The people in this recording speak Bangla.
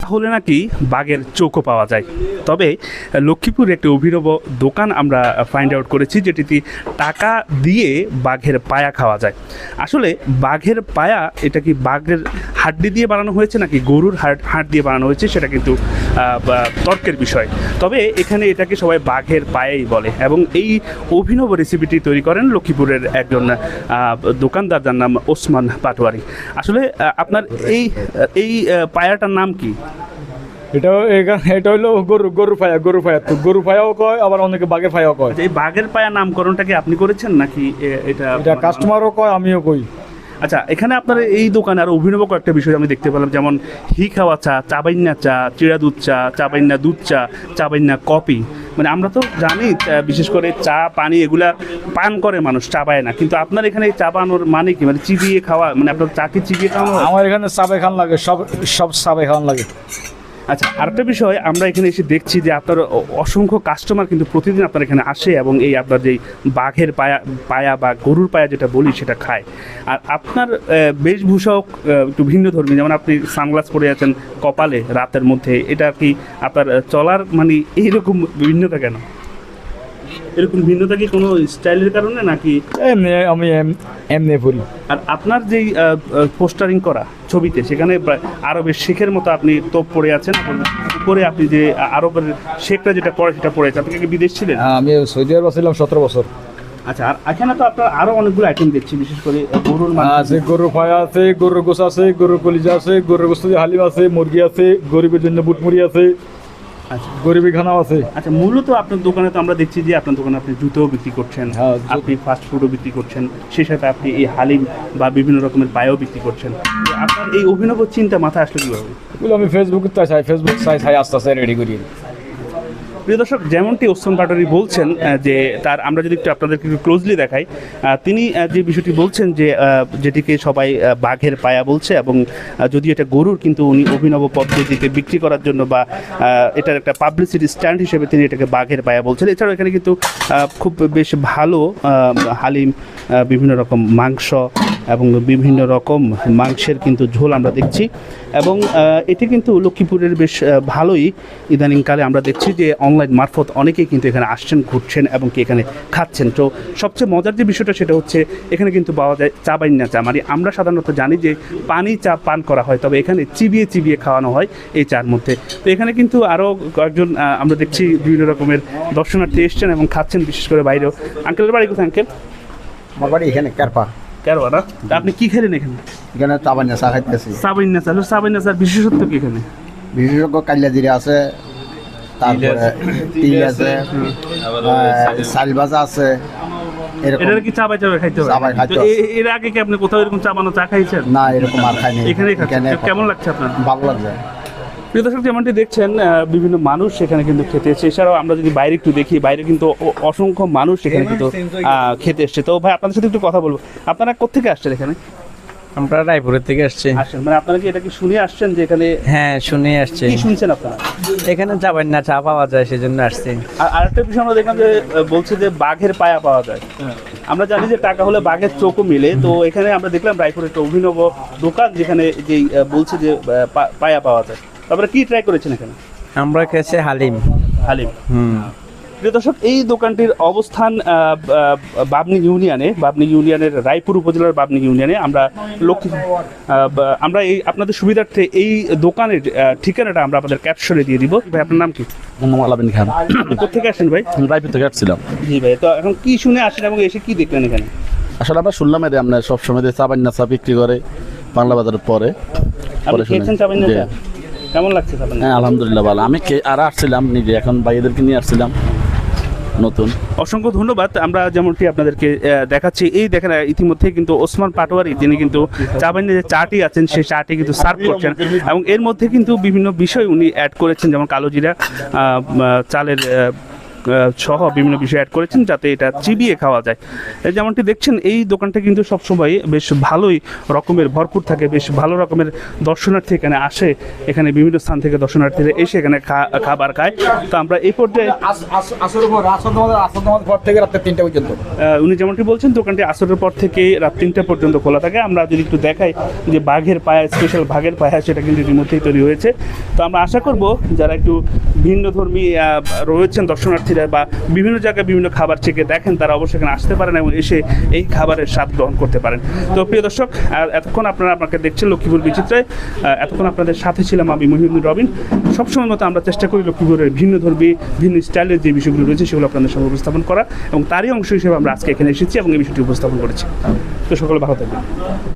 হলে নাকি বাঘের চোখও পাওয়া যায়। তবে লক্ষ্মীপুরে একটি অভিনব দোকান আমরা ফাইন্ড আউট করেছি, যেটিতে টাকা দিয়ে বাঘের পায়া খাওয়া যায়। আসলে বাঘের পায়া এটা কি বাঘের হাড্ডি দিয়ে বানানো হয়েছে নাকি গরুর হাড় দিয়ে বানানো হয়েছে, সেটা কিন্তু তর্কের বিষয়। তবে এখানে এটাকে সবাই বাঘের পায়াই বলে এবং এই অভিনব রেসিপিটি তৈরি করেন লক্ষ্মীপুরের একজন দোকানদার, যার নাম ওসমান পাটোয়ারি। আসলে আপনার এই পায়াটার নাম কি? এটা হলো গরুর পায়া তো গরুর পায়াও কয়, আবার অনেকে বাঘের পায়াও কয়। এই বাঘের পায়া নামকরণটা কি আপনি করেছেন নাকি এটা কাস্টমারও কয়, আমিও কই। আচ্ছা, এখানে আপনার এই দোকানে আরো অভিনব কয়েকটা বিষয় আমি দেখতে পেলাম, যেমন হি খাওয়া চা, চাবাইন্না চা, চিড়া দুধ চা, চাবাইন্না দুধ চা, চাবাইন্না কফি। মানে আমরা তো জানি বিশেষ করে চা পানি এগুলা পান করে মানুষ, চাবায় না, কিন্তু আপনার এখানে চাবানোর মানে কি? মানে চিবিয়ে খাওয়া, মানে আপনার চাকে চিবিয়ে খাওয়া? আমার এখানে চাবে খান লাগে, সব চাবে খাওয়ান লাগে। আচ্ছা, আরেকটা বিষয়, আমরা এখানে এসে দেখছি যে আপনার অসংখ্য কাস্টমার কিন্তু প্রতিদিন আপনার এখানে আসে এবং এই আপনার যেই বাঘের পায়া বা গরুর পায়া যেটা বলি সেটা খায়। আর আপনার বেশভূষাও একটু ভিন্ন ধর্মী, যেমন আপনি সানগ্লাস পরে আছেন কপালে রাতের মধ্যে, এটা কি আপনার চলার মানে এইরকম ভিন্নতা কেন? এরকম ভিন্নতা কি কোনো স্টাইলের কারণে নাকি আমি এমনি বলি? আর আপনার যেই পোস্টারিং করা ছবিতে, সেখানে আরবের শেখের মতো আপনি তোপ পরে আছেন, উপরে আপনি যে আরবের শেখরা যেটা পড়ে সেটা পড়েছে। আপনি কি বিদেশ ছিলেন? আমি সৌদি আরব ছিলাম 17 বছর। আচ্ছা, আর এখানে তো আপনার আরো অনেকগুলো আইটেম দেখছি, বিশেষ করে গরুর আছে, গরুর পায়া আছে, গরুর গোস আছে, গরুর কলিজা আছে, গরুর গোস্ত দিয়ে হালিম আছে, মুরগি আছে, গরিবের জন্য বুটমুড়ি আছে। আচ্ছা, গরিবি খানাও আছে। আচ্ছা, মূলত আপনার দোকানে তো আমরা দেখছি যে আপনার দোকানে আপনি জুতোও বিক্রি করছেন, আপনি ফাস্ট ফুডও বিক্রি করছেন, সেই সাথে আপনি এই হালিম বা বিভিন্ন রকমের পায়ও বিক্রি করছেন। আপনার এই অভিনব চিন্তা মাথায় আসলে কীভাবে? এগুলো আমি ফেসবুক চাই আস্তে আস্তে রেডি করি। প্রিয় দর্শক, যেমনটি ওসমান পাটোয়ারি বলছেন যে তার, আমরা যদি একটু আপনাদেরকে একটু ক্লোজলি দেখাই, তিনি যে বিষয়টি বলছেন যে যেটিকে সবাই বাঘের পায়া বলছে, এবং যদি এটা গরুর, কিন্তু উনি অভিনব পদ্ধতিতে বিক্রি করার জন্য বা এটার একটা পাবলিসিটি স্ট্যান্ড হিসেবে তিনি এটাকে বাঘের পায়া বলছেন। এছাড়াও এখানে কিন্তু খুব বেশ ভালো হালিম, বিভিন্ন রকম মাংস এবং বিভিন্ন রকম মাংসের কিন্তু ঝোল আমরা দেখছি, এবং এটি কিন্তু লক্ষ্মীপুরের বেশ ভালোই ইদানিংকালে আমরা দেখছি যে অনলাইন মারফত অনেকেই কিন্তু এখানে আসছেন, ঘুরছেন এবং কি এখানে খাচ্ছেন। তো সবচেয়ে মজার যে বিষয়টা সেটা হচ্ছে এখানে কিন্তু পাওয়া যায় চাবাইন্না চা। মানে আমরা সাধারণত জানি যে পানি চা পান করা হয়, তবে এখানে চিবিয়ে চিবিয়ে খাওয়ানো হয় এই চার মধ্যে। তো এখানে কিন্তু আরও কয়েকজন আমরা দেখছি বিভিন্ন রকমের দর্শনার্থী এসছেন এবং খাচ্ছেন, বিশেষ করে বাইরেও। আঙ্কেলের বাড়ি কোথায় আঙ্কেল? আমার বাড়ি এখানে কারপা। কেরোয়া না? তা আপনি কী খেলেন এখানে? এখানে চাবাইন্না চা খাইতেছি। চাবাইন্না চা, চাবাইন্না চার বিশেষত্ব কি এখানে? বিশেষজ্ঞ কালিয়া জিরা আছে, তারপরে তিল আছে, চাল ভাজা আছে। এটা কি চাবাই চাবাই খাইতে হবে? চাবাই খাইতে হবে। এর আগে কি আপনি কোথাও এরকম চাবানো চা খাইছেন? না, এরকম আর খাইনি। এখানেই খাচ্ছেন। কেমন লাগছে আপনার? ভালো লাগছে। প্রিয় দর্শক, যেমনটি দেখছেন বিভিন্ন মানুষ সেখানে কিন্তু খেতে এসেছে। এছাড়াও আমরা যদি বাইরে একটু দেখি, বাইরে কিন্তু অসংখ্য মানুষ এখানে কিন্তু খেতে এসছে। তো ভাই, আপনাদের সাথে একটু কথা বলবো, আপনারা কোথেকে আসছেন এখানে? আমরা রায়পুরের থেকে আসছি। আসছেন মানে আপনারা কি এটা কি শুনে আসছেন যে এখানে? হ্যাঁ, শুনে আসছি। কি শুনছেন আপনারা? এখানে চাবাইন্না চা পাওয়া যায়, সেজন্য আসছি। আর আরেকটা বিষয় আমরা দেখলাম যে বলছে যে বাঘের পায়া পাওয়া যায়। আমরা জানি যে টাকা হলে বাঘের চোখও মিলে, তো এখানে আমরা দেখলাম রায়পুরের একটা অভিনব দোকান, যেখানে যেই বলছে যে পায়া পাওয়া যায়। তারপরে কি ট্রাই করেছেন এখানে? আমরা খেয়েছি হালিম। হালিম। প্রিয় দর্শক, এই দোকানটির অবস্থান বাবনি ইউনিয়নের রায়পুর উপজেলার বাবনি ইউনিয়নে। আমরা এই আপনাদের সুবিধার্থে এই দোকানের ঠিকানাটা আমরা আপনাদের ক্যাপশনে দিয়ে দিব। ভাই, আপনার নাম কি? মোহাম্মদ আলামিন খান। কোথেকে আসেন ভাই? রায়পুর থেকে আসছিলাম। জি ভাই, তো এখন কি শুনে আসেন এবং এসে কি দেখলেন এখানে? আসলে আমরা শুনলাম এদের আপনার সবসময় চাবাইন্না চা বিক্রি করে বাংলা বাজারের পরে। আপনি খেয়েছেন চাবাইন্না চা? কেমন লাগছে? হ্যাঁ, আলহামদুলিল্লাহ ভালো। আমি আর আসছিলাম নিজে, এখন ভাইদেরকে নিয়ে আসছিলাম নতুন। অসংখ্য ধন্যবাদ। আমরা যেমনটি আপনাদেরকে দেখাচ্ছি, এই দেখেন ইতিমধ্যে কিন্তু ওসমান পাটোয়ারি, তিনি কিন্তু চাবাইন্না যে চাটি আছেন সেই চাটি কিন্তু সার্ভ করছেন, এবং এর মধ্যে কিন্তু বিভিন্ন বিষয় উনি অ্যাড করেছেন, যেমন কালো জিরা, চালের সহ বিভিন্ন বিষয় অ্যাড করেছেন যাতে এটা চিবিয়ে খাওয়া যায়। যেমনটি দেখছেন এই দোকানটা কিন্তু সবসময় বেশ ভালোই রকমের ভরপুর থাকে, বেশ ভালো রকমের দর্শনার্থী এখানে আসে, এখানে বিভিন্ন স্থান থেকে দর্শনার্থীরা এসে এখানে খাবার খায়। তো আমরা এই পর্যায়ে আসর পর থেকে রাত্রে 3টা পর্যন্ত। উনি যেমনটি বলছেন দোকানটি আসরের পর থেকে রাত 3টা পর্যন্ত খোলা থাকে। আমরা যদি একটু দেখাই যে বাঘের পায়া, স্পেশাল বাঘের পায়া সেটা কিন্তু ইতিমধ্যেই তৈরি হয়েছে। তো আমরা আশা করব যারা একটু ভিন্নধর্মী রয়েছেন দর্শনার্থীরা বা বিভিন্ন জায়গায় বিভিন্ন খাবার চেখে দেখেন তারা অবশ্যই এখানে আসতে পারেন এবং এসে এই খাবারের স্বাদ গ্রহণ করতে পারেন। তো প্রিয় দর্শক, এতক্ষণ আপনারা আমাকে দেখছেন লক্ষ্মীপুর বিচিত্রায়, এতক্ষণ আপনাদের সাথে ছিলাম আমি মহিউদ্দিন রবিন। সবসময় মতো আমরা চেষ্টা করি লক্ষ্মীপুরের ভিন্নধর্মী ভিন্ন স্টাইলের যে বিষয়গুলো রয়েছে সেগুলো আপনাদের সামনে উপস্থাপন করা এবং তারই অংশ হিসেবে আমরা আজকে এখানে এসেছি এবং এই বিষয়টি উপস্থাপন করেছি। তো সকলে ভালো থাকবেন।